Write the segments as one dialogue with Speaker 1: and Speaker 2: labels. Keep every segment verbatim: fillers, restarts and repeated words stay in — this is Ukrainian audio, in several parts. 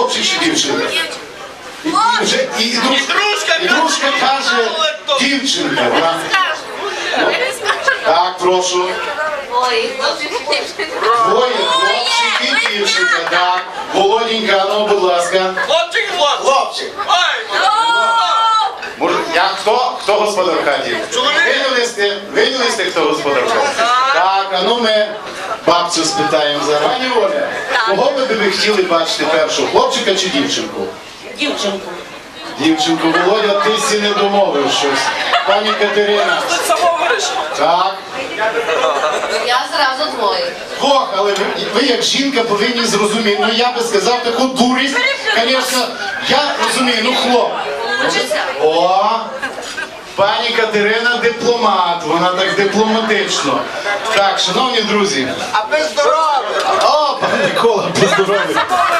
Speaker 1: хлопчик чи дівчинка? І, і, вже, і, і, друж, і дружка каже, дівчинка. Вона... Так, прошу.
Speaker 2: Ой, хлопчик і дівчинка.
Speaker 1: Двоє, хлопчик і дівчинка, так. Володінька, ну, будь ласка.
Speaker 3: Хлопчик і хлопчик.
Speaker 1: Хлопчик.
Speaker 3: Ай,
Speaker 1: Може, я хто? Хто господар в хаті? Винялисти, винялисти, хто господар в хаті? Так, а ну ми бабцю спитаємо зараз. Пані Оля, кого ви би хотіли бачити першого, хлопчика чи дівчинку?
Speaker 2: Дівчинку.
Speaker 1: Дівчинку, Володя, ти всі не домовив щось. Пані Катерина.
Speaker 3: ти само вирішив.
Speaker 1: Так.
Speaker 2: Я зразу двоє.
Speaker 1: Ох, але ви, ви як жінка повинні зрозуміти. Ну я би сказав таку дурість, звісно, я розумію, ну хлоп.
Speaker 2: Получиться?
Speaker 1: О, пані Катерина дипломат, вона так дипломатично. Так, шановні друзі.
Speaker 3: А ви здорові.
Speaker 1: О, пан Микола, поздоровий.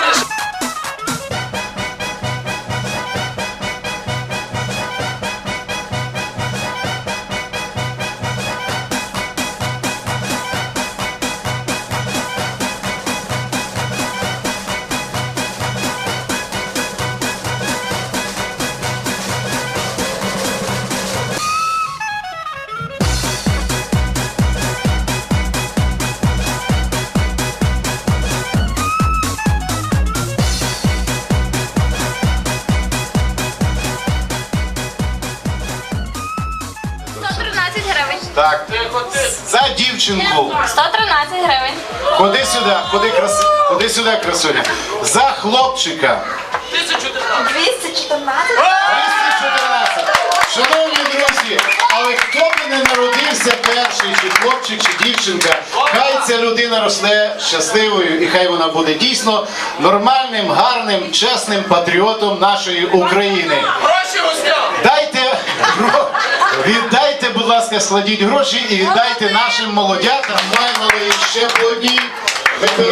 Speaker 2: сто тринадцять гривень.
Speaker 1: Так, за дівчинку.
Speaker 2: сто тринадцять гривень.
Speaker 1: Ходи сюди, ходи, краси... ходи сюди, красуня. За хлопчика.
Speaker 3: тисяча чотирнадцять.
Speaker 2: двісті чотирнадцять.
Speaker 1: двісті чотирнадцять. Шановні друзі, але хто би не народився перший, чи хлопчик, чи дівчинка, хай ця людина росте щасливою і хай вона буде дійсно нормальним, гарним, чесним патріотом нашої України.
Speaker 3: Гроші гостям.
Speaker 1: Дайте, гро- віддайте, будь ласка, складіть гроші і віддайте нашим молодятам. Маємо ще по одній.